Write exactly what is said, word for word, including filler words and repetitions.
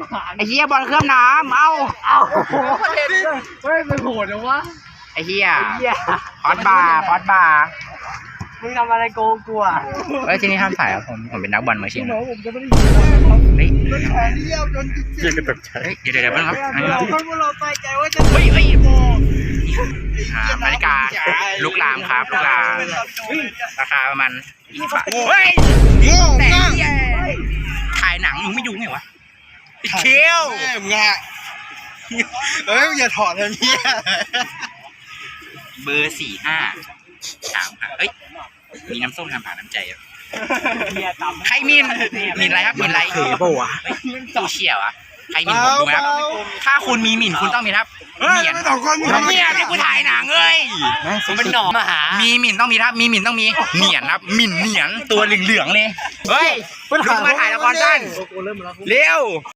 ไอ้เหี้ยบอลเคลือบน้ำเอาเอาเฮ้ยมันโหดนะวะไอ้เหี้ยพอดบาร์พอดบาร์มึงทำอะไรโกงกูอ่ะเฮ้ยที่นี่ห้ามถ่ายครับผมผมเป็นนักบอลมืออาชีพนะผมจะไม่ได้เฮ้ยแขนเดียวจนจิตกระตุกใจเฮ้ยเดี๋ยวเดี๋ยวเดี๋ยวครับเราคนพวกเราใส่ใจว่าจะเฮ้ยเฮ้ยอ่านาฬิกาลูกลามครับลูกลามราคาประมาณยี่สิบบาทเฮ้ยแต่เหี้ยถ่ายหนังมึงไม่ดูไงวะเคี้ยวแม่มึงอ่ะเฮ้ยอย่าถอดเลยเมียเบอร์สี่ห้าสามค่ะเอ้ยมีน้ำส้มทำผ่านน้ำใจอ่ะใครมีนมีนอะไรครับมีนอะไรเฮ้ยตู้เชี่ยวอะใครมีนผมดูไหมครับถ้าคุณมีหมิ่นคุณต้องมีครับเหมียนเหมียนที่กูถ่ายหนังเอ้ยผมเป็นหนอมาหามีหมิ่นต้องมีครับมีหมิ่นต้องมีเหมียนครับหมิ่นเหมียนตัวเหลืองๆเลยเฮ้ยลุกมาถ่ายละครสั้นเร็ว